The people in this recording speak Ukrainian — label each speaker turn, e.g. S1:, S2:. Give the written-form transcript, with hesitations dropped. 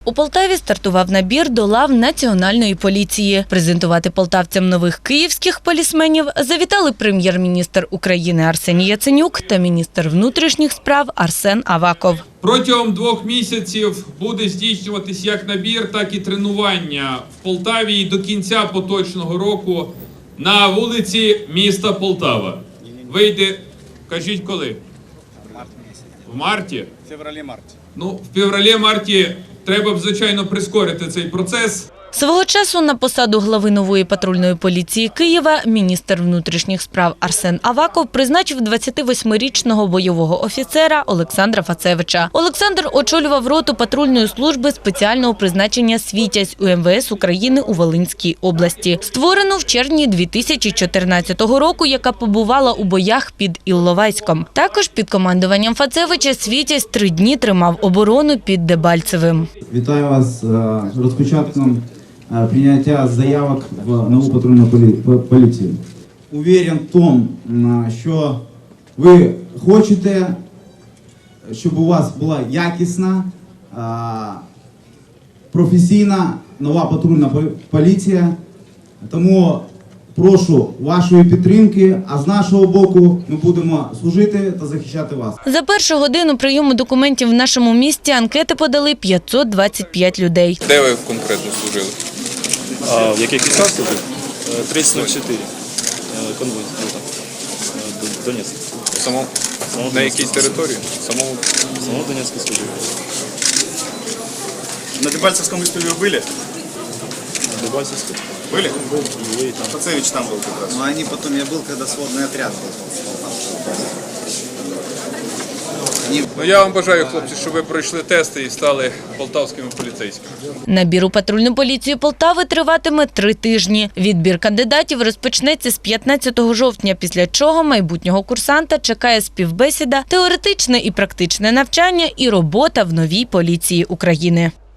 S1: У Полтаві стартував набір до лав Національної поліції. Презентувати полтавцям нових київських полісменів завітали прем'єр-міністр України Арсеній Яценюк та міністр внутрішніх справ Арсен Аваков.
S2: Протягом 2 місяців буде здійснюватись як набір, так і тренування в Полтаві і до кінця поточного року на вулиці міста Полтава. Вийде, кажіть коли? В марті?
S3: В февралі-марті.
S2: В февралі-марті треба б, звичайно, прискорити цей процес.
S1: Свого часу на посаду глави нової патрульної поліції Києва міністр внутрішніх справ Арсен Аваков призначив 28-річного бойового офіцера Олександра Фацевича. Олександр очолював роту патрульної служби спеціального призначення «Світязь» у МВС України у Волинській області, створену в червні 2014 року, яка побувала у боях під Ілловайськом. Також під командуванням Фацевича «Світязь» 3 дні тримав оборону під Дебальцевим.
S4: Вітаю вас з розпочатком прийняття заявок в нову патрульну поліцію. Уверен в тому, що ви хочете, щоб у вас була якісна, професійна нова патрульна поліція. Тому прошу вашої підтримки, а з нашого боку ми будемо служити та захищати вас.
S1: За першу годину прийому документів в нашому місті анкети подали 525 людей.
S5: Де ви конкретно служили?
S3: В яких містах служив? 3004. Конвой. Донецьк.
S5: На якій території?
S3: Самого Донецька служив. На Дебальцевском истории вы были? На Дебальцевском. Были? Были там. Фацевич там был как раз.
S6: Но они потом, я был, когда сводный отряд был.
S5: Я вам бажаю, хлопці, щоб ви пройшли тести і стали полтавськими поліцейськими.
S1: Набір у патрульну поліцію Полтави триватиме 3 тижні. Відбір кандидатів розпочнеться з 15 жовтня, після чого майбутнього курсанта чекає співбесіда, теоретичне і практичне навчання і робота в новій поліції України.